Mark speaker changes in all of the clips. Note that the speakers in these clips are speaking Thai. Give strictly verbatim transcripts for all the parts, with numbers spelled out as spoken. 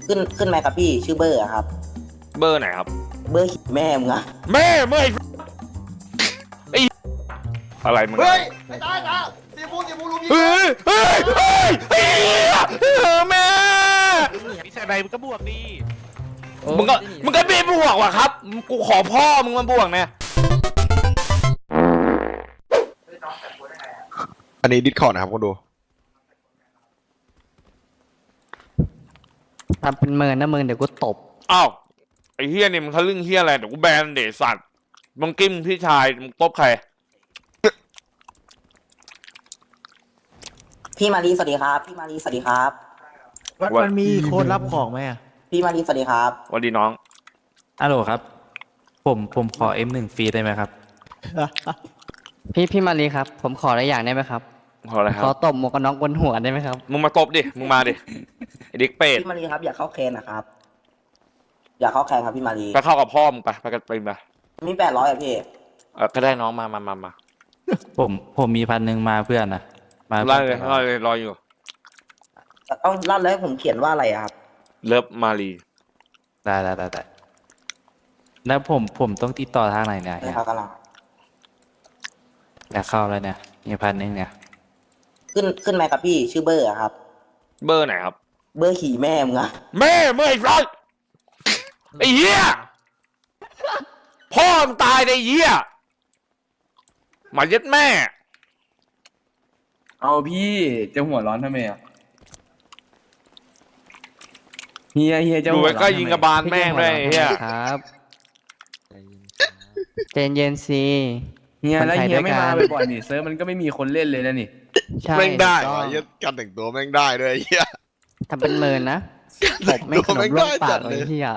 Speaker 1: ขึ้นขึ้นไหมครับพี่ชื่อเบอร์อะครับ
Speaker 2: เบอร์ไหนครับ
Speaker 1: เบอร์แม่มึงอะ
Speaker 2: แม่เมื่อยไอ้อะไรมึง
Speaker 3: เฮ้ยไอ้ตาตาสีฟูสีฟูลุงยิง
Speaker 2: เฮ้ยเฮ้ยเฮ้ยเฮ้ยแม่พี่ชายใดมึงก็บวกดีมึงก็มึงก็ไม่บวกว่ะครับกูขอพ่อมึงมาบวกเนี่ย
Speaker 4: อันนี้ดิสคอร์ดนะครับคุณดู
Speaker 5: ทำเป็นเมินนะเมินเดี๋ยวกูตบ
Speaker 2: อ้าวไอ้เฮียนี่มึงทะลึ่งเฮียอะไรเดี๋ยวกูแบนเดชสัตว์มึงกิ้มพี่ชายมึงตบใคร
Speaker 1: พี่มารีสวัสดีครับพี่มารีสวัสดีครับ
Speaker 6: มันมันมีโค้ดรับของไหมอ่ะ
Speaker 1: พี่มารีสวัสดีครับ
Speaker 2: สวัสดีน้อง
Speaker 7: ฮัลโหลครับผมผมขอ เอ็ม หนึ่ง ฟรีได้ไหมครับ
Speaker 5: พี่พี่มารีครับผมขออะไรอย่างได้ไหมครับ
Speaker 2: ขออะไรครับ
Speaker 5: ขอตบหมวกกันน็อกบนหัวได้ไหมครับ
Speaker 2: มึงมาตบดิมึงมาดิไอ้เด็กเป็ด
Speaker 1: พี่มารีครับอยากเข้าแคนนะครับอยากเข้าแคนครับพี่มารี
Speaker 2: ไปเข้ากับพ่อมึงไปไปกันไปมา
Speaker 1: มีแปดร้อยอะพี่
Speaker 2: เออก็ได้น้องมามามามา
Speaker 7: ผมผมมีพันหนึ่งมาเพื่อนนะ
Speaker 2: มาไล่เลยไล่เลยรออยู่
Speaker 1: ต้องเล่าแล้วผมเขียนว่าอะไรครับ
Speaker 2: เลิฟมารี
Speaker 7: ได้ได้ได้ได้แล้วผมผมต้องติดต่อทางไหนเนี่ย
Speaker 1: นี่ครับกำลัง
Speaker 7: อยากเข้าแล้วเนี่ยมีพันหนึ่งเนี่ย
Speaker 1: ขึ้นขึ้นไหมครับพี่ชื่อเบอร์อะครับ
Speaker 2: เบอร์ไหนครับ
Speaker 1: เบอร์ขี่แม่มึงอะ
Speaker 2: แม่เมื่อยไรไอ้เหี้ยพ่อมึงตายไอ้เหี้ยมาเย็ดแม่
Speaker 6: เอาพี่จะหัวร้อนทำไมอ่ะเฮียเฮียจะ
Speaker 2: ดูไว้ก็ยิงกระบาลแม่งเลยเฮีย
Speaker 5: ครับเจนเย็นซี
Speaker 6: เฮียแล้วเฮียไม่มาบ่อยๆนี่เซิร์ฟมันก็ไม่มีคนเล่นเลยนะนี่
Speaker 4: แม่งได้เฮียการแต่งตัวแม่งได้ด้วยเฮีย
Speaker 5: ทำเป็นเมินนะตบไม่ขนมร่วงปากเลยเฮีย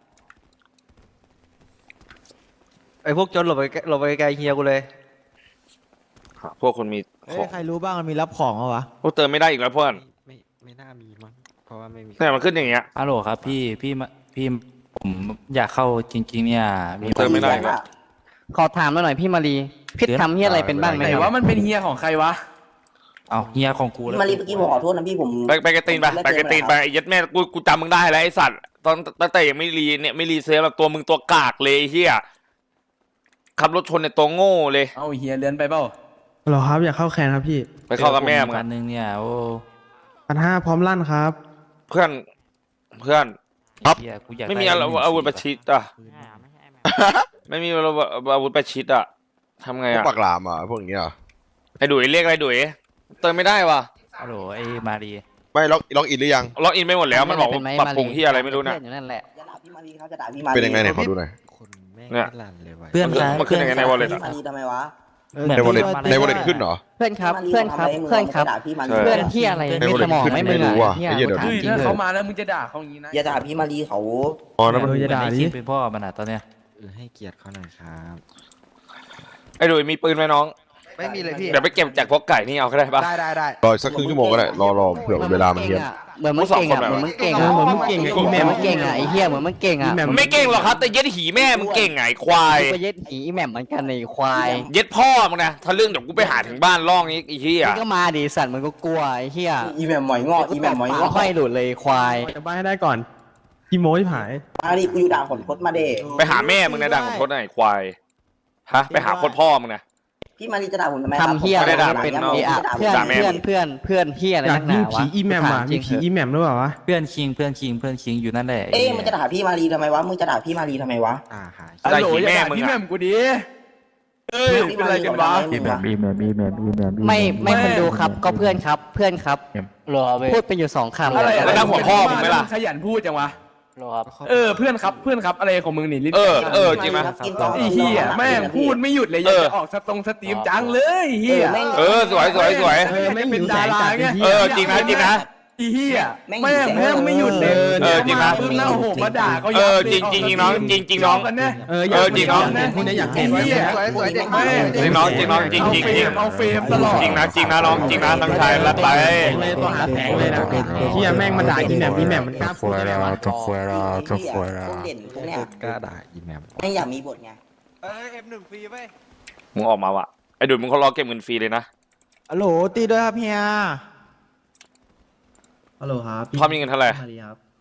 Speaker 8: ไอพวกจนหลบไปหลบไปไกลเฮียกูเลย
Speaker 2: พวกคนมี
Speaker 6: ใครรู้บ้างมันมีรับของเหรอวะ
Speaker 2: พวกเติมไม่ได้อีกแล้วเพื่อน
Speaker 8: ไม่ไม่น่ามีมั้งเพราะว่าไม่มี
Speaker 2: แต่มันขึ้นอย่างเงี้ย
Speaker 7: ฮัลโหลครับพี่พี่พี่ผมอยากเข้าจริงๆเนี่ย
Speaker 2: มีเติมไม่ได้ครับ
Speaker 5: ขอถามหน่อยพี่มารีพี่ทำเฮียอะไรเป็นบ้างไหม
Speaker 6: ไหนว่ามันเป็นเฮียของใครวะ
Speaker 7: เอาเฮียของกู
Speaker 1: แล้วมารีเมื่อกี้ผมขอโทษนะพี่ผม
Speaker 2: ไปไปกระตีนไปไปกระตีนไปไอ้ยัดแม่กูกูจำมึงได้แล้วไอ้สัตว์ตอนตั้งแต่ยังไม่รีเนี่ยไม่รีเซฟแบบตัวมึงตัวกากเลยเฮียขับรถชนในตัวโง่เลย
Speaker 6: เอาเฮียเลื่อนไปเปล่า
Speaker 9: หรอครับอยากเข้าแคนครับพี่
Speaker 2: ไปเข้ากับแม่มึง
Speaker 7: พันหนึ่งเนี่ยโอ้
Speaker 9: พันห้าพร้อมลั่นครับ
Speaker 2: เพื่อนเพื่อน
Speaker 7: ครับ
Speaker 2: ไม่มีอาวุธประชิดอ่ะไม่มีอาวุธประชิดอ่ะทำไงอ่ะ
Speaker 4: ปากหลามอ่ะพวกนี้อ่ะ
Speaker 2: ไอ้ดุยเรียกอะไรดุยเติมไม่ได้ว่ะ
Speaker 7: ฮัลโหลไอ้มารี
Speaker 4: ไม่ล็อกล็อกอินหรือยัง
Speaker 2: ล็อกอินไม่หมดแล้วมันบอกปรับปรุงที่อะไรไม่รู้นะ
Speaker 4: เป็นยังไงเนี่ยขอดูหน่อย
Speaker 2: เนี่ย
Speaker 7: เพื่อน
Speaker 2: มันขึ้นยังไงในวอลเล็ตอ่ะ
Speaker 1: ทำไมวะ
Speaker 4: ในวอลเล็ตในวอลเล็ตขึ้นเหรอ
Speaker 5: เพื่อนครับเพื่อนครับเพื่อนครับเพื่อนที่อะไรไม่สมองไม่มึงอ่ะ
Speaker 6: เฮียถ้าเขามาแล้วมึงจะด่าเขาอย่างนี้นะ
Speaker 1: อย่าด่าพี่มารีเขา
Speaker 4: อ๋อนั่นมัน
Speaker 7: จะด่าดิเป็นพ่อมันอ่ะตอนเนี้ย
Speaker 8: เออให้เกียรติเขาหน่อยครับ
Speaker 2: ไอ้ดุยมีปืนไหมน้อง
Speaker 8: ไม่มีเลยพี่
Speaker 2: เดี๋ยวไปเก็บจากพวกไก่นี่เอาก็ได้ปะ
Speaker 8: ได้ได้ได้
Speaker 4: รอสักครึ่งชั่วโมงก็ได้รอรอเผื่อเวลามันเทียบ
Speaker 5: เหมือนมึงเก่งอ่ะเหมือนมึงเก่งอ่ะเหมือนมึงเก่งอ่ะอีแม่มึงเก่งอ่ะไอ้เหี้ยเหมือนมึงเก่งอ่ะ
Speaker 2: ไม่เก่งหรอกครับแต่เย็ดหีแม่มึงเก่งไงควาย
Speaker 5: ก็เย็ดหีอีแม่เหมือนกันไอ้ควาย
Speaker 2: เย็ดพ่อมึงนะถ้าเรื่องเดี๋ยวกูไปหาถึงบ้านล่องนี้ไอ้เหี้ย
Speaker 5: ก็มาดิสัตว์มันก็กลัวไอ้เหี้ย
Speaker 1: อีแม่หมอยงออีแม่หมอยงอ
Speaker 5: ค่อยหลุดเลยควาย
Speaker 9: จะบ้านให้ได้ก่อนพี่โม้ที่หาย
Speaker 1: มาดิกูอยู่ด่างขนพดมาเด
Speaker 2: ไปหาแม่มึงนะด่างขนพดไอ้ควายฮะไปหาโคตรพ่อมึงนะ
Speaker 1: พี่มารีจะด่าผมทำไม
Speaker 5: ทำเฮียอะไรเป็นเพื่อนเพื่อนเพื่อนเพื่อนเฮียอะไรนักหนาวะ
Speaker 9: ผีอีแมมอ่ะมีผีอีแมมหรือเปล่าวะ
Speaker 7: เพื่อนคิงเพื่อนคิงเพื่อนคิงอยู่นั่นแหละ
Speaker 1: เอ๊ะมึงจะด่าพี่มารีทำไมวะมึงจะด่าพี่มารีทำไมวะ
Speaker 8: อ่าหา
Speaker 6: ไอ้แม่มึงพี่แม่กูดีเอ้ยเป็นไรกันวะ
Speaker 7: อีแมมอีแมมอีแมมอีแมม
Speaker 5: ไม่ไม่คนดูครับก็เพื่อนครับเพื่อนครับพูดเป็นอยู่สองคำ
Speaker 6: อะไรแล้วหัวพ่อมึงไหมล่ะขยันพูดจังวะเออเพื่อนครับเพื่อนครับอะไรของมึงนี่ลิ้น
Speaker 2: เออเออจริงไหม
Speaker 6: ไอ้เหี้ยแม่งพูดไม่หยุดเลยอยากจะออกสตรงสตรีมจังเลยเหี้ย
Speaker 2: เออสวยสวยสวย
Speaker 6: ไม่เป็นดาราไง
Speaker 2: เออจริงนะจริงนะ
Speaker 6: ไอ้เหี้ยแม่งแม่งไม่หยุดเลย
Speaker 2: เออจริงนะ
Speaker 6: เพิ่งเล่าโหมาด่าเขา
Speaker 2: เออจริงจริงน้องจริงจริงน้อง
Speaker 6: เออจริงน้อง
Speaker 9: คุณอยากเห็น
Speaker 6: ไอ้เหี้ย
Speaker 2: จริงน้องจริงน้องจริงจริงจริง
Speaker 6: เอาเฟรมตลอด
Speaker 2: จริงนะจริงนะน้องจริงนะตั้งใจรัดไป
Speaker 9: เลยตัวหาแผงเลยนะเหี้ยแม่งมาด่าอีแมมอีแมมมันกล้า
Speaker 7: พูดอะไรวะต้องคุยแล้วต้องคุยแล้ว
Speaker 8: กล้าด่าอีแมม
Speaker 1: ไม่อยากมีบทไง
Speaker 8: เออเอ็มหนึ่งฟรีไป
Speaker 2: มึงออกมาว่ะไอ้ดุยมึงเขารอเก็บเงินฟรีเลยนะ
Speaker 9: ฮัลโหลตีด้วยครับเฮียฮัลโหลครับ
Speaker 2: พ่อมีเงินเท่าไหร่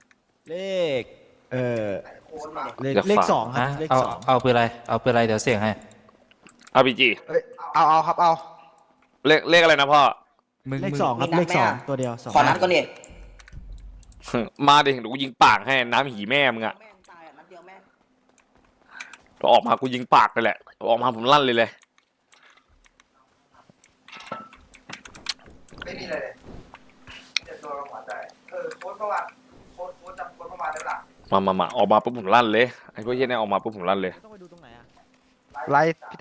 Speaker 9: เลข เออเลข
Speaker 2: อยาก
Speaker 9: เลข
Speaker 2: ฝาก
Speaker 9: สองครั
Speaker 7: ฮะ
Speaker 9: บเลข
Speaker 7: เอา
Speaker 9: สอง
Speaker 7: เอาปืนอะไรเอาปืนอะไรเดี๋ยวเสี่ยงให้
Speaker 2: อาร์พีจี
Speaker 3: เอาเอาครับเอา
Speaker 2: เลขเลขอะไรนะพ่อ
Speaker 7: มึง
Speaker 9: เลข
Speaker 7: มึง
Speaker 9: สองครับเลขสองตัวเดียวสอง
Speaker 1: ขอนัดก่อนดิ
Speaker 2: มาดิเดี๋ยวกูยิงปากให้น้ำหีแม่มึงอะ
Speaker 1: แม่งตายอ่ะนัดเดียวแม่ง
Speaker 2: พอออกมากูยิงปากเลยแหละออกมาผมลั่นเลยเลย
Speaker 3: ไม่มีอะไรเลยเดี๋ยวตัวเราหัวใจเออโค้ดประวัติโค้ดโค้ดจำโค้ดประวัติได้ปะ
Speaker 2: มามามาออกมาปุ๊บผมลั่นเลยไอ้พวกเหี้ยเนี่ยออกมาปุ๊บผมลั่นเลย
Speaker 9: ต้องไปดูตรงไหนอ่ะ
Speaker 8: ไลฟ์พี่ตา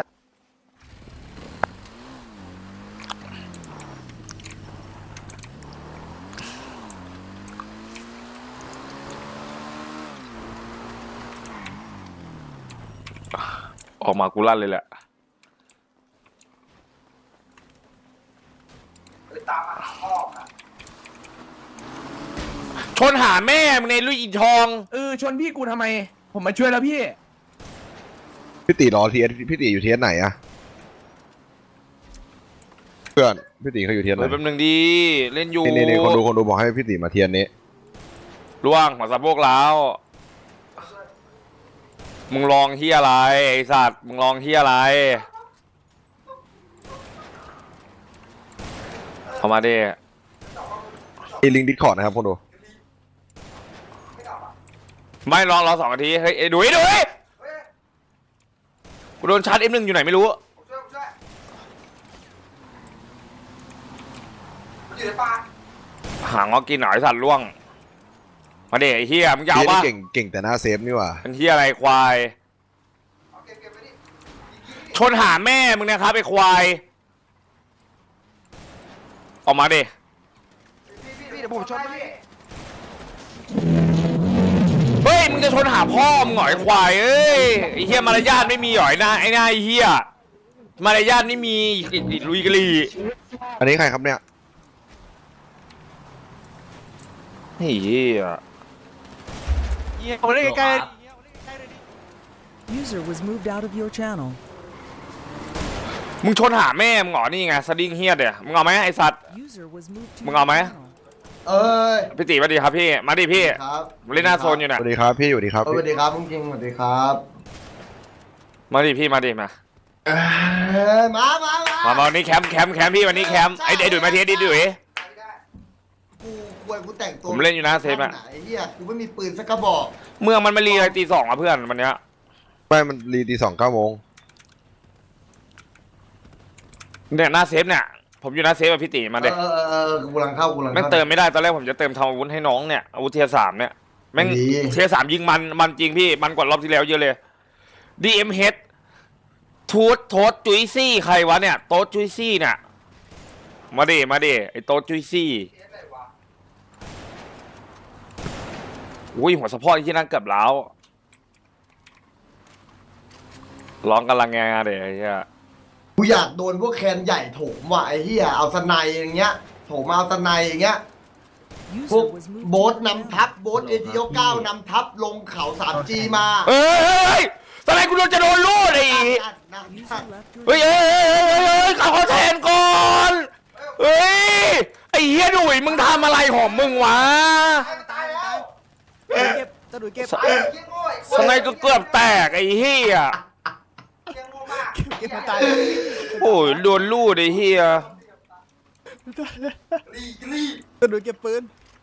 Speaker 2: ออกมากูลั่นเลยแหละ
Speaker 3: เออตามมาหาพ่อค่ะ
Speaker 2: ชนหาแม่มึงในลุยอินทอง
Speaker 6: เออชนพี่กูทำไม ผมมาช่วยแล้วพี่
Speaker 4: พี่ตีรอเทียนพี่ตีอยู่เทียนไหนอะเพื่อนพี่ตีเขาอยู่เทียนไหน
Speaker 2: เฮ้ยแป๊บนึงดีเล่นอยู่
Speaker 4: นี่นี่คนดูคนดูบอกให้พี่ตีมาเทียนนี้
Speaker 2: ล่วงหัวสะโพกแล้วมึงลองที่อะไรไอสัตว์มึงลองที่อะไรเอามาดิ
Speaker 4: อีลิงดิสคอร์ดนะครับคนดู
Speaker 2: ไม่รอรอสองนาทีเฮ้ยไอ้ดุยดุยกูโดนชาร์จเอ็มหนึ่งอยู่ไหนไม่รู้
Speaker 3: ผมช่วยผมช่วยมันอยู่ในป่า
Speaker 2: หางอกินหน่อยสัตว์ล่วงมาเด็ไอ้เฮียมึงจะเอา
Speaker 4: เทียน
Speaker 2: ปะ
Speaker 4: นี่เก่งเก่งแต่หน้าเซฟนี่หว่า
Speaker 2: เป็นเฮียอะไรควาย
Speaker 3: เอาเก็บเก็บไปดิ
Speaker 2: ชนหาแม่มึงนะครับไอ้ควายออกมาดิ
Speaker 3: พี่พี่พี่เดี๋ยวผมช่วยพี่
Speaker 2: เฮ้ยมึงจะชนหาพ่อมึงหน่อยไอ้ควายเอ้ยไอ้เฮียมารยาทไม่มีหน่อยนะไอ้หน้าไอ้เฮียมารยาทไม่มีไอ้ลุยกะลี
Speaker 4: อันนี้ใครครับเนี่ย
Speaker 2: เฮีย
Speaker 8: ผมเล่นใกล้
Speaker 10: User was moved out of your channel.
Speaker 2: มึงชนหาแม่มึงเหรอนี่ไงสดิ้งเฮียเดี๋ยมึงเอาไหมไอ้สัตว์
Speaker 10: User was moved to
Speaker 2: มึงเอาไหม
Speaker 10: your channel.
Speaker 3: เอ้ย
Speaker 2: พี่ตีมาดิครับพี่มาดิพี่
Speaker 3: ครับ
Speaker 2: ผมเล่นหน้าโซนอยู่
Speaker 4: ส
Speaker 2: น่ะ
Speaker 4: วัสดีครับพี่สวัสดีครับ
Speaker 3: สวัสดีครับลุงคิงสวัสดีครับ
Speaker 2: มาดิพี่มาดิมา
Speaker 3: เอ้ยมามามา
Speaker 2: มามาวันนี้แคมป์แคมป์แคมป์พี่วันนี้แคมป์ไอ้ไอ้ดุยมาทีดิดุย
Speaker 3: กูควรกูแต่งตัว
Speaker 2: ผมเล่นอยู่นะเซฟอะ
Speaker 3: ไหนเฮียกูไม่มีปืนสักกระบอก
Speaker 2: เมืองมันมารีอะไรตีสองอ่ะเพื่อนวันเนี้ย
Speaker 4: ไม่มันรีตีสองเก้าโมง
Speaker 2: เนี่ยหน้าเซฟเนี่ยผมอยู่หน้าเซฟกับพี่ตีมาเด็
Speaker 3: เออเออเออกูกำลังเข้ากูกำลัง
Speaker 2: แม่ง
Speaker 3: เข้า
Speaker 2: เติมไม่ได้ตอนแรกผมจะเติมทำอาวุธให้น้องเนี่ยอาวุธเทียร์สามเนี่ยแม่ง
Speaker 3: ดี
Speaker 2: เทียร์สามยิงมันมันจริงพี่มันกว่ารอบที่แล้วเยอะเลย ดี เอ็ม เอช ทูตโทษจุยซี่ใครวะเนี่ยโต๊ดจุยซี่เนี่ยมาดิมาดิไอ้โต๊ดจุยซี่อุ้ยหัวสะโพกที่นั่งเกือบแล้วร้องกำลังงานเดี๋ยวไอ้เหี้ย
Speaker 3: กูอยากโดนพวกแคนใหญ่โถมว่ะไอ้เหี้ยเอาสไนด์อย่างเงี้ยโถมเอาสไนด์อย่างเงี้ยพว
Speaker 10: User
Speaker 3: ก
Speaker 10: was moved
Speaker 3: โบ๊ท
Speaker 10: to
Speaker 3: นำทัพโบ๊ทเอทีโอเก้านำทัพลงเขา สามจี มา
Speaker 2: เฮ้ยเฮ้ยเฮ้ยทำไมกูโดนจะโดนลูดไอ้
Speaker 3: นั่นนั่น
Speaker 10: your
Speaker 3: นั่น
Speaker 10: User left your
Speaker 2: เฮ้ยเฮ้ยเฮ้ยเฮ้ยเฮ้ยขอแทนก่อนเฮ้ยไอ้เฮียดุยมึงทำอะไรของมึงวะ
Speaker 3: ตายแล้ว
Speaker 9: เก็บตะดุยเก็บ
Speaker 3: ตายเกี้ยงโง่ไอ้
Speaker 2: สไนก็เกือบแตกไอ้เฮีย
Speaker 3: เกี้ยงโง่มาก
Speaker 9: เก็บมาตาย
Speaker 2: โอ้ยโดนลูดไอ้เฮีย
Speaker 3: รีรี
Speaker 9: ตะดุยเก็บปืน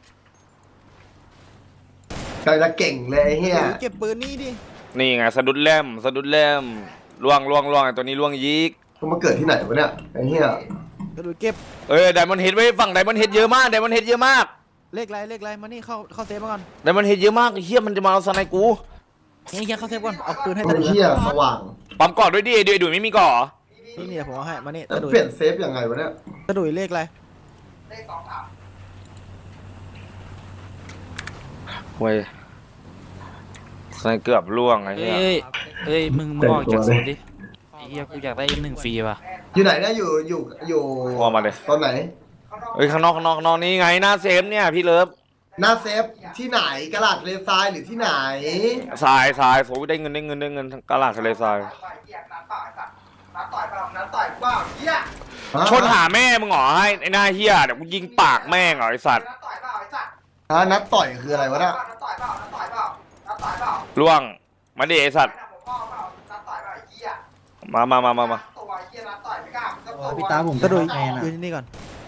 Speaker 3: ใครจะเก่งเลยไอ้เหี้ย
Speaker 9: ตะดุยเก็บปืนนี่ดิ
Speaker 2: นี่ไงสะดุดแล่มสะดุดแล่มล่วงล่วงล่วงไอ้ตัวนี้ล่วงยิก
Speaker 3: เขามาเกิดที่ไหนวะเนี่ยไอ้เหี้ย
Speaker 9: ตะดุยเก็บ
Speaker 2: เอ้ยไดมอนด์เฮดไว้ฝั่งไดมอนด์เฮดเยอะมากไดมอนด์เฮดเยอะมาก
Speaker 9: เลขไรเลขไรมานี่เข้าเข้าเซฟมาก่อน
Speaker 2: ไดมอนด์เฮดเยอะมากไอ้เฮียมันจะมาเอาสไนกู
Speaker 9: เฮียเฮียเข้าเซฟก่อนเอาปืนให้
Speaker 3: ไอ้
Speaker 9: ตะดุย
Speaker 3: เหี้ยสว่าง
Speaker 2: ปั๊มก่อนด้วยดิไอ้ดุยดุยไม่มีก่อ
Speaker 9: นี่นี่เดี๋ยวผมเอาให้มานี่
Speaker 3: แล้ว
Speaker 9: ตะดุย
Speaker 3: เปลี่ยนเซฟยังไงวะเนี่ย
Speaker 9: ตะดุยเลขไร
Speaker 3: เลขสองสาม
Speaker 2: เว้ยสไนเกือบล่วงไอ้
Speaker 7: เอ้
Speaker 2: เฮีย
Speaker 7: ยเอ้ยมึงมึงออกจากโซนดิไอ้เหี้ยกูอยากได้เอ็มหนึ่งฟรีว่ะ
Speaker 3: อยู่ไหนเนี่ยอยู่อยู่อยู่
Speaker 2: ออกมาเลย
Speaker 3: ตอนไหน
Speaker 2: เอ้ยข้างนอกข้างนอกข้างนอกนี่ไงหน้าเซฟเนี่ยพี่เลิฟ
Speaker 3: หน้าเซฟที่ไหนกระดาษเลซายหรือที่ไหน
Speaker 2: ทรายทรายโอ้ยได้เงินได้เงินได้เงินกระลาดทะเลทราย
Speaker 3: น้าต่อยเปล่าน้าต่อยเปล่าเหี้ย
Speaker 2: ชนหาแม่มึงเหรอให้ไอ้หน้าเฮียเดี๋ยวกูยิงปากแม่งเหรอไอ้สัตว์
Speaker 3: น้าต่อยเปล่าไอ้สัตว์
Speaker 2: ไ
Speaker 3: ฮะนัดต่อยคืออะไรวะเนี่ย
Speaker 2: ล่วงมาดิไอสัตว์มามามามามา
Speaker 5: พี่ตาผมก็ดูแอนอ่ะ
Speaker 8: นี่ก่อน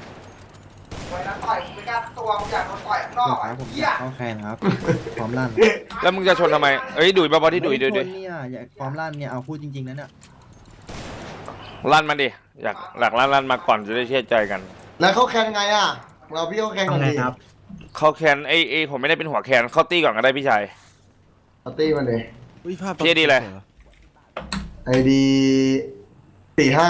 Speaker 5: เขาแคนครับพร้อมลั่น
Speaker 2: แล้วมึงจะชนทำไมเอ้ยดุยเบาๆที่ดุยดุยดุย
Speaker 5: เนี่ยอย่าพร้อมลั่นเนี่ยเอาพูดจริงๆนะเนี่ย
Speaker 2: ลั่นมาดิอยากหลักลั่นลั่นมาก่อนจะได้เชื่อใจกัน
Speaker 3: แล้วเขาแข่งไงอ่ะเราพี่เขาแข่งกันดี
Speaker 2: เขาแคนไอไอผมไม่ได้เป็นหัวแคนเข้าตี้ก่อนก็ได้พี่ชาย
Speaker 3: ปาร์ตี้มันเลย
Speaker 2: พี่ดีเลย
Speaker 3: ไอดีสี่ห้า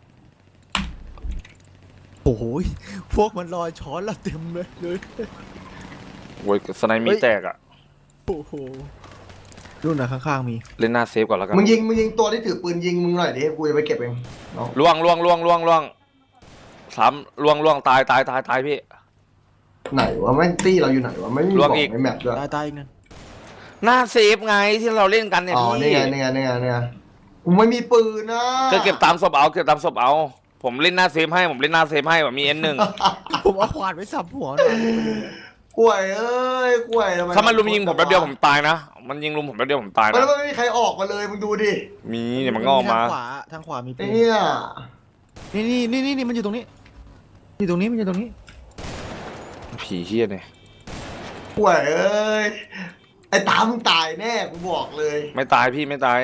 Speaker 8: โอ้โหพวกมันลอยช้อนเราเต็มเลยเลย
Speaker 2: โว้ยสไนมีแตกอะ
Speaker 8: โอ้โหรุ่นอะข้างๆมี
Speaker 2: เล่นหน้าเซฟก่อนแล้วกัน
Speaker 3: มึงยิงมึงยิงตัวที่ถือปืนยิงมึงหน่อยดิกูจะไปเก็บเองน้อง
Speaker 2: ล่วงล่วงล่วงล่วงล่วงสามล่วงล่วงตายตายตายตายพี่
Speaker 3: ไหนวะแม่งตี้เราอยู่ไหนวะไม่มี
Speaker 2: ล
Speaker 3: บ
Speaker 2: ว
Speaker 3: อก ก
Speaker 2: อีก
Speaker 3: ในแมปด้วย
Speaker 8: ตายตายอีกนั่น
Speaker 2: หน้าเซฟไงที่เราเล่นกันเนี่ย
Speaker 3: อ๋อ
Speaker 2: พี่
Speaker 3: นี่ไงนี่ไงนี่ไงนี่ไงกูไม่มีปืนนะ
Speaker 2: ก็เก็บตามศพเอาเก็บตามศพเอา ผมเล่นหน้าเซฟให้ผมเล่นหน้าเซฟให้แบบมีเอ็นหนึ่ง
Speaker 8: ผมเอาขวานไปสับหัวหน่อย
Speaker 3: กล้วยเอ้ยกล้วยทำไม
Speaker 2: ถ้ามันลุมยิงผมแป๊บเดียวผมตายนะมันยิงลุมผมแป๊บเดียวผมตาย
Speaker 3: มัน
Speaker 2: นะ
Speaker 3: ไม่มีใครออกมาเลยมึงดูดิ
Speaker 2: มีเดี๋ยวมันงอกมา
Speaker 8: ทางขวาทางขวามีปืน
Speaker 3: เนี่ย
Speaker 8: นี่นี่นี่นี่มันอยู่ตรงนี้อยู่ตรงนี้มันอยู่ตรงนี้
Speaker 2: ผีเฮี้ยเนี่ย
Speaker 3: กล้วยเอ้ยไอ้ตามมึงตายแน่กูบอกเลย
Speaker 2: ไม่ตายพี่ไม่ตาย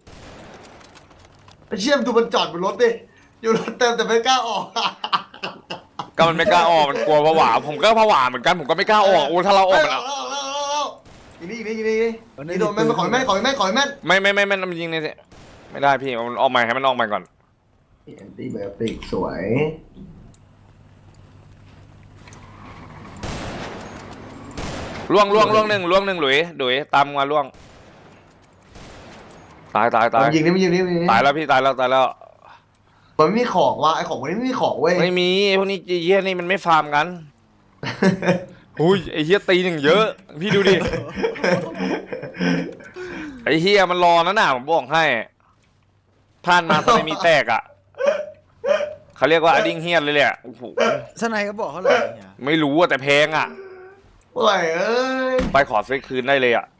Speaker 3: ไอ้เชี่ยมดูมันจอดบนรถดิอยู่รถเต็มแต่ไม่กล้าออก
Speaker 2: ก็มันไม่กล้าออกมันกลัวผวาผมก็ผวาเหมือนกันผมก็ไม่กล้าออกโอ้ถ้าเราออกมัน
Speaker 3: เา
Speaker 2: อะ
Speaker 3: เอาเอาเอาเอาอีนี่อีนี่อีนี่นี่โดนแม่นขอแม่นขอแม่นขอแม่น
Speaker 2: ไม่ไม่ไม่ไม่มันยิงเนี่ยไม่ได้พี่มันออกใหม่ให้มันออกใหม่ก่อน
Speaker 3: แอนตี้ไบโอติกสวย
Speaker 2: ล่วงล่วงล่วงหนึ่งล่วงหนึ่งหลุยหลุยตามมาล่วงตายตายตาย
Speaker 3: มันยิงนี่มันยิงนี่มันยิงนี่
Speaker 2: ตายแล้วพี่ตายแล้วตายแล้ว
Speaker 3: มันไม่มีของว่ะไอ้ของพวกนี้ไม่มีของเว้ย
Speaker 2: ไม่มีพวกนี้เฮี้ยนี่มันไม่ฟาร์มกันอุ้ยไอ้เฮี้ยตีหนึ่งเยอะ พี่ดูดิไอ้เฮี้ยมันรอนะน่ะผมบอกให้ผ่านมาตอนนี้มีแตกอ่ะเขาเรียกว่าอดิ้งเฮี้ยนเลยแหละโอ้โห
Speaker 8: สไนก็บอกเขาเลยเนี่ย
Speaker 2: ไม่รู้อะแต่แพงอ่ะ
Speaker 3: โอ้ยเอ้ย
Speaker 2: ไปขอซื้อคืนได้เลยอ่ะ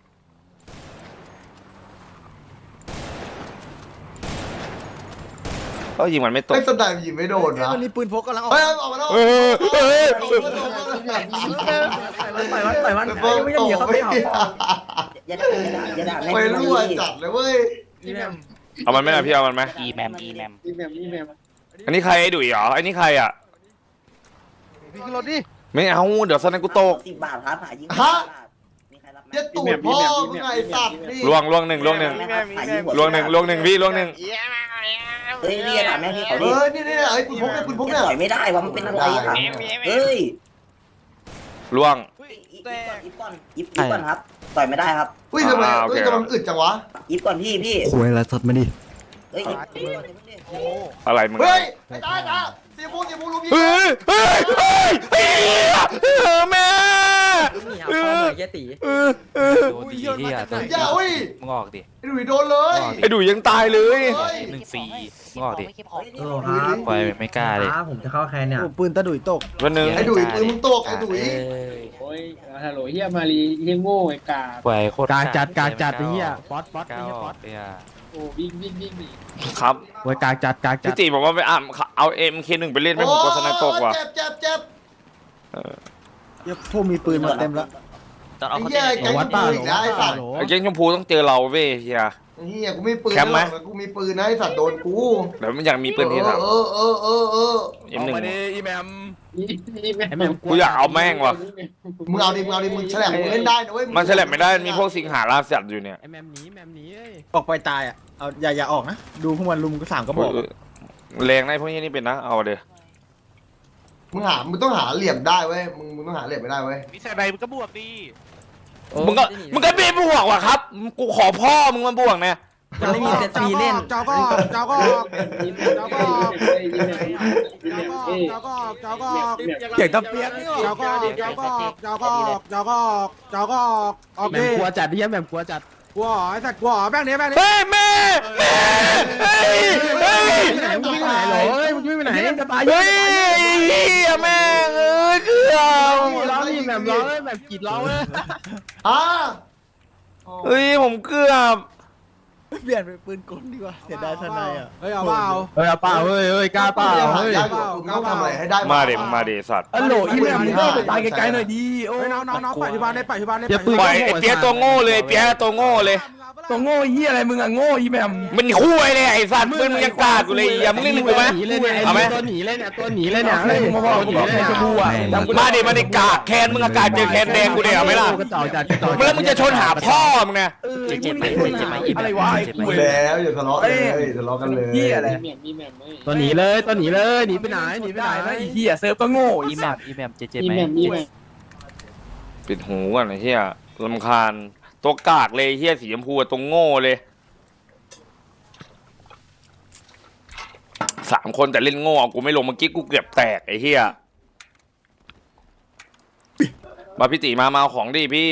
Speaker 2: ก็ยิงมันไม่ตก
Speaker 3: ไอ้สไนด์มันยิงไม่โดนนะ
Speaker 8: มันมีปืนพกกำลังออก
Speaker 3: เฮ้ยออกมาแล้ว
Speaker 2: เออเออ
Speaker 5: ปล่อยมันปล่อยมัน
Speaker 3: เพิ่ม
Speaker 5: ไม่ต้องเหยียบเขาไม่เอา
Speaker 1: อย่าด่าอย่าด่าแม่ง
Speaker 3: ไปรั่วจัดเลยเว้ย
Speaker 2: เอามันไหมล่ะพี่เอามันไหม
Speaker 5: อีแมมอีแมม
Speaker 2: อันนี้ใครไอ้ดุ๋ยเหรอไอ้นี่ใครอ่ะ
Speaker 8: พี่ขึ้นรถดิ
Speaker 2: ไม่เอาเดี๋ยวสนันกูตก
Speaker 1: สิบบาทครับหายิงมีใครรับไหม
Speaker 3: เจ็ดตูดพ่อมึงไงสัตว์นี่
Speaker 2: ล่วงล่วงหนึ่งล่วงหนึ่งล่วงหนึ่งล่วงหนึ่งพี่ล่วงหนึ่ง
Speaker 1: เฮ้ยนี่อย่าด่าแม่งพี่เขา
Speaker 3: เอ
Speaker 1: ดิ
Speaker 3: อนี่นี่ไอ้ปืนพกเนี่ยปืนพกเนี่ย
Speaker 1: ต่อยไม่ได้วะมันเป็นอะไรอ่ะเฮ้ย
Speaker 2: ล่วง
Speaker 1: อีฟก่อนอีฟก่อนอีฟก่อนครับต่อยไม่ได้ครับ
Speaker 3: อุ้ยทำไม
Speaker 2: อ่าโอเค
Speaker 3: อุ้ยทำไมมันอึดจังวะ
Speaker 1: อีฟก่อนพี่พี่
Speaker 5: คุยอะไรสดมาดิ
Speaker 1: เฮ้ยอีฟก่อนอีฟก่อนดิ
Speaker 2: อะไรมึง
Speaker 3: เฮ้ยไอ้ตายตาเสียบูเสียบูลุมยิง
Speaker 2: เฮ้ยเฮ้ยเฮ้ยเฮ้ยเออแม่เออเออเออ
Speaker 7: โดนดีเฮียตัว
Speaker 3: อย่าอุ้ย
Speaker 7: มึงออกดิ
Speaker 3: ไอ้หนุ่ยโดนเลย
Speaker 2: ไอ้ดุ๋ยยังตายเลย
Speaker 3: เฮ้ย
Speaker 7: หนึ่งฟรีมึงออกดิ
Speaker 5: โอ้ครับ
Speaker 7: ปล่อยไม่กล้าเลย
Speaker 5: ผมจะเข้าแคนเนี่ย
Speaker 8: โอ้ปืนตะดุยตก
Speaker 2: วันหนึ่ง
Speaker 3: ไอ้ดุยปืนมึงตกไอ้ดุย
Speaker 9: โอ้ยฮัลโหลเฮียมารีเฮียโง่ไอ้กา
Speaker 7: ปล่อยโคตร
Speaker 9: กากจัดกากจัดไอ้เหี้ยป๊อตป๊อต
Speaker 7: กล้า
Speaker 9: ไอ้เหี้ย
Speaker 7: อ
Speaker 9: ป๊
Speaker 7: อ
Speaker 9: อก ต
Speaker 7: เนี่ย
Speaker 9: โอ้วิ่งวิ่งวิ่งหนี
Speaker 2: ครับ
Speaker 9: โอ้ยกากจัดกากจั
Speaker 2: พี่
Speaker 9: ด
Speaker 2: ตีบอกว่าไปอ่านเอาเอ็มเคหนึ่งไปเล่นให้ผมกลัวสนันตกว่ะ
Speaker 3: เจ็บเจ็บเจ็บ
Speaker 8: เดี๋ยวพวกมีปืนมาเต็มแล้ว
Speaker 3: ไอ้เหี้ยแกงกูอีกแล้วไอ้สัตว์
Speaker 2: ไอ้เก้งชมพูต้องเจอเราเว้ยเฮีย
Speaker 3: ไอ้เหี้ยกูมีปืน
Speaker 2: แคมป์ไหม
Speaker 3: นะกูมีปืนนะไอ้สัตว์โดนกู
Speaker 2: เดี๋ยวมันอยากมีปืนทีหลัง
Speaker 3: เออเออเออเออ
Speaker 2: เอ็มหนึ่ง
Speaker 6: อีแมม
Speaker 9: นี่แม่ไอ้แม่ง
Speaker 2: กูอยากเอาแม่งว่ะ
Speaker 3: มึงเอาดิมึงเอาดิมึงแฉลบมึงเล่นได้นะเว้ย
Speaker 2: มันแฉลบไม่ได้มันมีพวกสิงหาราสัตว์อยู่เนี่ย
Speaker 9: ไอ้แมมหนีแมมหนีเอ้ย
Speaker 8: ออกไปตายอ่ะเอาอย่าอย่าออกนะดูพวกมันลุมก็สามก็บอก
Speaker 2: แรงได้พวกนี้นี่เป็นนะเอาเดี๋ยว
Speaker 3: มึงหามึงต้องหาเหลี่ยมได้เว้ยมึงมึงต้องหาเหลี่ยมไม่ได้เว้ย
Speaker 6: มีใส่ใบมันก็บวกดี
Speaker 2: มึงก็มึงก็ไม่บวกว่ะครับกูขอพ่อมึงมาบวกเนี่ย
Speaker 5: จะไม่มีเซตฟรีเล่น
Speaker 8: เจ้าก็เจ้าก็
Speaker 9: เจ้าก็เจ้าก็
Speaker 8: เจ้าก็เจ้าก็เก่งตะเปียกนี่เจ้าก็เจ้าก็เจ้าก็เจ้าก็เจ้าก็โอ
Speaker 9: แม
Speaker 8: เค
Speaker 9: มกลัวจัดไอ้เหี้ยแมมกลัวจัด
Speaker 8: กลัวไอ้สัตว์กลัวแม่งนี้แม่งนี้
Speaker 2: เฮ้ยแม่แม่เฮ้ยเฮ้ย
Speaker 9: ไปไหนมึงวิ่งไปไหนเหรอเฮ้ยมึงวิ่งไปไหน
Speaker 8: จะตาย
Speaker 2: เฮ้ยยแม่งเอ้ยเกือบ
Speaker 9: ร้องนี่แบบร้องแบบกรีดร้องเลย
Speaker 3: อ่ะ
Speaker 2: เฮ้ยผมเกือบ
Speaker 8: เปลี่ยนเป็นปืนกลดีกว่าเสียดายทนายอ่ะเฮ้ยเอาเปล่า
Speaker 9: เฮ้ยเอาเปล่าเฮ้ยเฮ้ยกล้าเปล่า
Speaker 3: หา
Speaker 9: เฮ้ย
Speaker 3: ยากอยู่มึงต้องทำอะไรให้ได้
Speaker 2: มาเดมึงมาเดสัตว์
Speaker 6: อัลโหลอีเมลมึงก็ไปตายไกลๆหน่อยดีโอ้
Speaker 8: เฮ้ยน้องน้องน้องปล่อยที่บ้านได้ปล่อยที่บ้านได้
Speaker 2: ปล่อยไอ้เปียตัวโง่เลยเปียตัวโง่เลย
Speaker 6: ตัวโง่เฮียอะไรมึงอะโง่อีแมม
Speaker 2: มันคุยเลยไอ้สัตว์มึงมึงยังกล้ากูเลยอย่ามึงเล่นกูไหม
Speaker 9: หนีเลยเนี่ย
Speaker 2: เอาไหม
Speaker 9: ตัวหนีเลยเนี่ยตัวหนีเลยเนี่ย
Speaker 6: เฮ้ยมึงมาบอกกูบอกแค่ชมพูอะ
Speaker 2: มาดิมาดิกากแคนมึงอากาศเจอแคนแดงกูเดี๋ยวเอาไหมล่ะ
Speaker 9: กระจอกจัดกระจอก
Speaker 2: แล้วมึงจะชนหาพ่อมึงนะ
Speaker 7: เจ็บเจ็บไหมเจ็บไหม
Speaker 6: อะไรวะไอ้กู
Speaker 3: แล้วอย่าทะเลาะเลยทะเลาะกันเลย
Speaker 6: เฮียอะไร
Speaker 9: ตัวหนีเลยตัวหนีเลยหนีไปไหนหนีไป
Speaker 6: ไม่
Speaker 9: ไหน
Speaker 6: ได้นะไอ้เฮียเซิร์ฟก็โง่
Speaker 7: อี
Speaker 6: อี
Speaker 7: แม
Speaker 6: สั
Speaker 7: ม
Speaker 6: ตว์
Speaker 7: อีแมมเจ็บเจ็บไหม
Speaker 2: ปิดหูก่อนไอ้เหี้ยรำคาญตัวกากเลยเหี้ยสีชมพูตรงโง่เลยสามคนแต่เล่นโง่กูไม่ลงเมื่อกี้กูเกือบแตกไอ้เหี้ยมาพี่ตีมามาเอาของดิพี่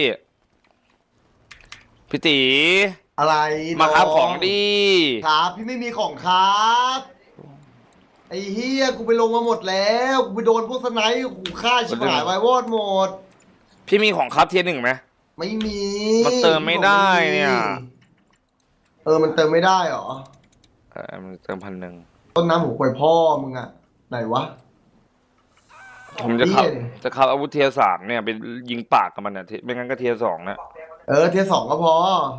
Speaker 2: พี่ตี
Speaker 3: อะไร
Speaker 2: มาครับของดิ
Speaker 3: ครับพี่ไม่มีของครับไอ้เฮียกูไปลงมาหมดแล้วกูไปโดนพวกสไนป์ขู่ฆ่าชิบหายไว้วอดหมด
Speaker 2: พี่มีของครับเทียร์หนึ่งไหม
Speaker 3: ไม่มี
Speaker 2: มันเติมไม่ได้เนี่ย
Speaker 3: เออมันเติมไม่ได้เหรอ
Speaker 2: เออมันเติมพันหนึ่ง
Speaker 3: ต้นน้ำหัวควยพ่อมึงอะไหนวะ
Speaker 2: ผมจะขับ
Speaker 3: เหี้ย
Speaker 2: จะขับอาวุธเทียร์สามเนี่ยไปยิงปากกับมันเนี่ยไม่งั้นก็เทียร์สองนะ
Speaker 3: เออเทียร์สองก็พอ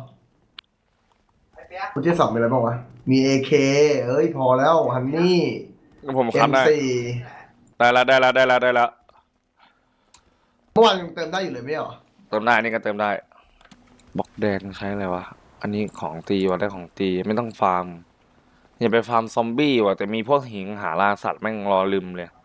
Speaker 3: กูเทียร์สองมีอะไรบ้างวะมีเอเคเอ้ยพอแล้วฮันนี่
Speaker 2: ผม
Speaker 3: เอ็
Speaker 2: ขับ
Speaker 3: ม
Speaker 2: ได้
Speaker 3: สี่
Speaker 2: ได้แล้วได้แล้วได้แล้วได้แล้ว
Speaker 3: เมื่อวานยังเติมได้อยู่เลยไม่เหรอ
Speaker 2: เติมได้นี่ก็เติมได้บล็อกแดงใช้อะไรวะอันนี้ของตีว่ะได้ของตีไม่ต้องฟาร์มอย่าไปฟาร์มซอมบี้ว่ะแต่มีพวกหิงหาล่าสัตว์แม่งรอลืมเลย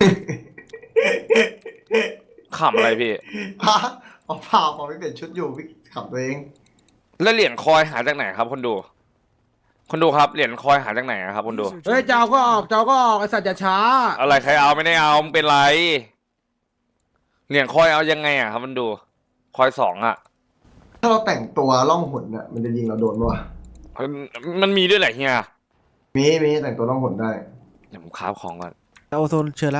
Speaker 2: ขำอะไรพี่
Speaker 3: ฮะเอาเปล่าเปล่าไม่เปลี่ยนชุดอยู่พี่ขับตัวเอง
Speaker 2: แล้วเหรียญคอยหาจากไหนครับคนดู คนดูครับเหรียญคอยหาจากไหนครับคนดู
Speaker 10: User
Speaker 8: เฮ้ย
Speaker 10: joined
Speaker 8: เจ้าก็ออกเจ้าก็ออกไอสัตว์อย่าช้า
Speaker 2: อะไรใครเอาไม่ได้เอามึงเป็นไรเหรียญคอยเอายังไงอ่ะครับคนดู คอยสองอ่ะ
Speaker 3: ถ้าเราแต่งตัวล่องหนเนี่ยมันจะยิงเราโดนปะวะ
Speaker 2: มันมีด้วยแหละเฮีย
Speaker 3: มีมีแต่งตัวล่องหนได้
Speaker 2: เดี๋ยวผมคราฟของก่อน
Speaker 8: โอโซนเชิญละ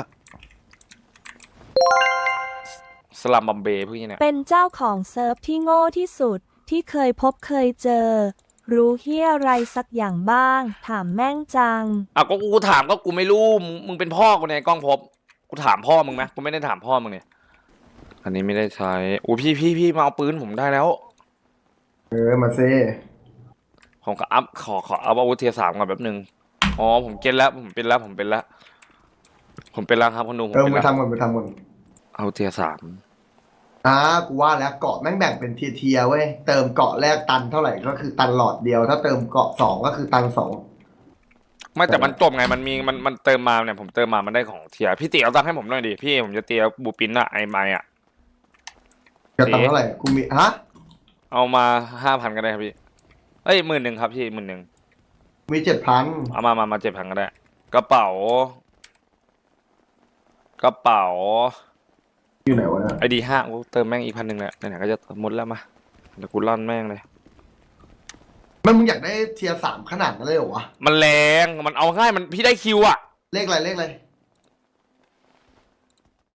Speaker 2: สลัมบัมเบย์พวกนี้เนี่ย
Speaker 11: เป็นเจ้าของเซิร์ฟที่โง่ที่สุดที่เคยพบเคยเจอ รู้เฮียอะไรสักอย่างบ้าง ถามแม่งจัง
Speaker 2: อ่ะก็กูถามก็กูไม่รู้มึงมึงเป็นพ่อกูในกล้องพบกูถามพ่อมึงไหมกูไม่ได้ถามพ่อมึงเนี่ยอันนี้ไม่ได้ใช้โอ้พี่พี่พี่มาเอาปืนผมได้แล้ว
Speaker 3: เออมาเซ่
Speaker 2: ผมก็อัพขอขอเอาอาวุธเทียร์สามก่อนแป๊บนึงอ๋อผมเก็ตแล้วผมเป็นแล้วผมเป็นแล้วผมเป็นแล้วครับคุณดูผม
Speaker 3: เออ
Speaker 2: เป็น
Speaker 3: ไป
Speaker 2: แล้ว
Speaker 3: ทำก่อนไปทำก่อน
Speaker 2: เอาเทียร์สาม
Speaker 3: อ่ากูว่าแล้วเกาะแม่งแบ่งเป็นเทียร์ๆเว้ยเติมเกาะแรกตันเท่าไหร่ก็คือตันหลอดเดียว ถ้าเติมเกาะสองก็คือตันสอง
Speaker 2: ไม่แต่มันจบไงมันมีมันมันเติมมาเนี่ยผมเติมมามันได้ของเทียร์พี่ตีเอาตังค์ให้ผมหน่อยดิพี่ผมจะเตียบูปินอะไอไมอะ
Speaker 3: จะตันเท่าไหร่กูมีฮะ
Speaker 2: เอามาห้าพันก็ได้ครับพี่เอ้ยหมื่นหนึ่งครับพี่หมื่นหนึ่ง
Speaker 3: มีเจ็ดพัน
Speaker 2: เอามามามาเจ็ดพันก็ได้กระเป๋า กระเป๋า
Speaker 3: อยู่ไหนวะเนี่ย
Speaker 2: ไอดีห้ากูเติมแม่งอีกพันหนึ่งแหละไหนๆก็จะหมดแล้วมาเดี๋ยวกูลั่นแม่งเลย
Speaker 3: มันมึงอยากได้เทียร์สามขนาดนั้นเลยเหรอวะ
Speaker 2: มันแรงมันเอาง่ายมันพี่ได้คิวอะ
Speaker 3: เลขอะไรเลขอะไร